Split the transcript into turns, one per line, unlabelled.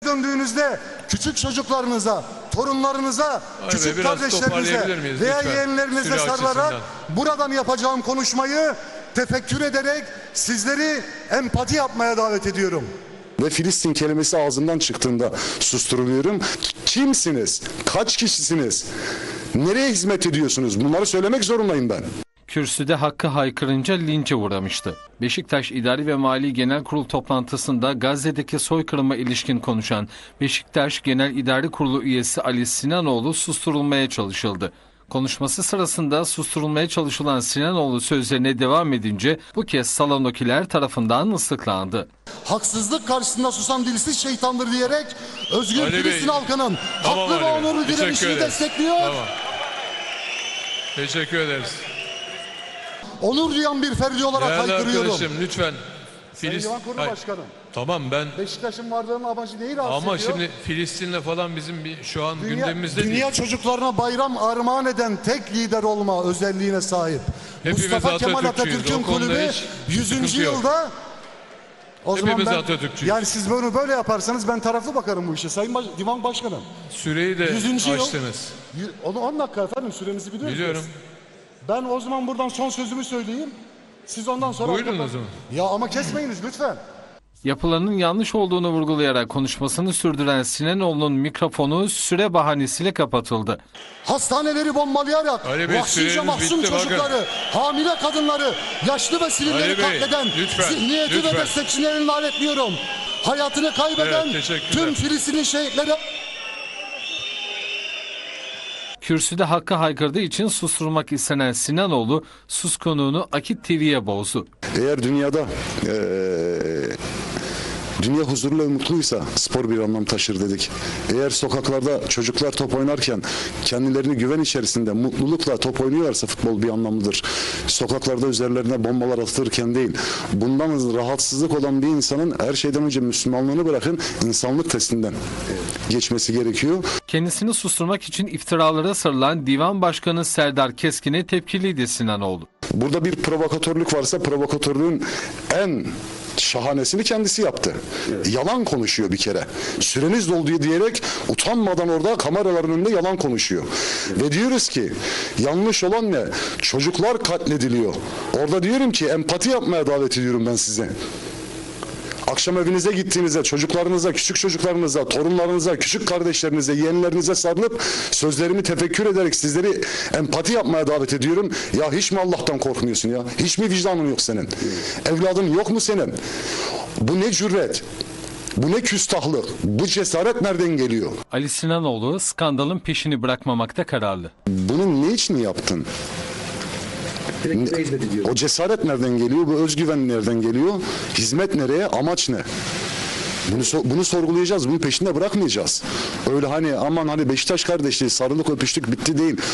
döndüğünüzde küçük çocuklarınıza, torunlarınıza, küçük kardeşlerinize veya yeğenlerinize sarılarak buradan yapacağım konuşmayı tefekkür ederek sizleri empati yapmaya davet ediyorum.
Ve Filistin kelimesi ağzımdan çıktığında susturuluyorum. Kimsiniz? Kaç kişisiniz? Nereye hizmet ediyorsunuz? Bunları söylemek zorundayım ben.
Kürsüde hakkı haykırınca linçe uğramıştı. Beşiktaş İdari ve Mali Genel Kurul toplantısında Gazze'deki soykırıma ilişkin konuşan Beşiktaş Genel İdari Kurulu üyesi Ali Sinanoğlu susturulmaya çalışıldı. Konuşması sırasında susturulmaya çalışılan Sinanoğlu sözlerine devam edince bu kez salondakiler tarafından ıslıklandı.
Haksızlık karşısında susan dilsiz şeytandır diyerek özgür
Ali
Filistin
Bey,
halkının
tamam
haklı ve
Ali Bey,
onurlu direnişini
ederiz.
destekliyor.
Tamam. Teşekkür ederiz.
Onur duyan bir ferdi olarak
Değerli
haykırıyorum.
arkadaşım lütfen.
Sayın Divan Kurulu Başkanım.
Tamam ben.
Beşiktaş'ın varlığının amacı neyi rahatsız
Ama
ediyor?
şimdi Filistin'le falan bizim şu an gündemimizde değil.
Dünya çocuklarına bayram armağan eden tek lider olma özelliğine sahip.
Hepimiz
Mustafa Kemal
Atatürkçüyüz.
Atatürk'ün
O konuda
kulübü
hiç
100.
sıkıntı yok.
yılda o
Hepimiz
zaman
Atatürkçüyüz.
yani siz bunu böyle yaparsanız ben taraflı bakarım bu işe. Sayın Divan Başkanım.
Süreyi de
100. yıl.
açtınız.
Onu 10 dakika efendim sürenizi biliyorsunuz.
Biliyorum.
Ben o zaman buradan son sözümü söyleyeyim. Siz ondan sonra...
Buyurun o zaman.
Ya ama kesmeyiniz lütfen.
Yapılanın yanlış olduğunu vurgulayarak konuşmasını sürdüren Sinanoğlu'nun mikrofonu süre bahanesiyle kapatıldı.
Hastaneleri bombalayarak
Ali Bey,
vahşice
süreniz
mahzun
bitti,
çocukları, hamile kadınları, yaşlı ve sivilleri
Ali Bey,
katleden
lütfen,
zihniyeti
lütfen.
ve destekçilerini lanetliyorum. Hayatını kaybeden
Evet, teşekkürler.
tüm Filistinli şehitleri...
Kürsüde hakkı haykırdığı için susturmak istenen Sinanoğlu suskунluğunu Akit TV'ye bozdu.
Eğer dünyada dünya huzurlu ve mutluysa spor bir anlam taşır dedik. Eğer sokaklarda çocuklar top oynarken kendilerini güven içerisinde mutlulukla top oynuyorlarsa futbol bir anlamlıdır. Sokaklarda üzerlerine bombalar atılırken değil. Bundan rahatsızlık olan bir insanın her şeyden önce Müslümanlığını bırakın insanlık testinden geçmesi gerekiyor.
Kendisini susturmak için iftiralara sarılan Divan Başkanı Serdar Keskin'e tepkiliydi Sinanoğlu.
Burada bir provokatörlük varsa provokatörlüğün en şahanesini kendisi yaptı. Yalan konuşuyor bir kere. Süreniz doldu diyerek utanmadan orada kameraların önünde yalan konuşuyor. Ve diyoruz ki yanlış olan ne? Çocuklar katlediliyor. Orada diyorum ki empati yapmaya davet ediyorum ben size. Akşam evinize gittiğinizde çocuklarınıza, küçük çocuklarınıza, torunlarınıza, küçük kardeşlerinize, yeğenlerinize sarılıp sözlerimi tefekkür ederek sizleri empati yapmaya davet ediyorum. Ya hiç mi Allah'tan korkmuyorsun ya? Hiç mi vicdanın yok senin? Evladın yok mu senin? Bu ne cüret? Bu ne küstahlık? Bu cesaret nereden geliyor?
Ali Sinanoğlu skandalın peşini bırakmamakta kararlı.
Bunu ne için yaptın? O cesaret nereden geliyor? Bu özgüven nereden geliyor? Hizmet nereye? Amaç ne? Bunu sorgulayacağız. Bunu peşinde bırakmayacağız. Öyle hani aman hani Beşiktaş kardeşliği sarılık öpüştük bitti değil.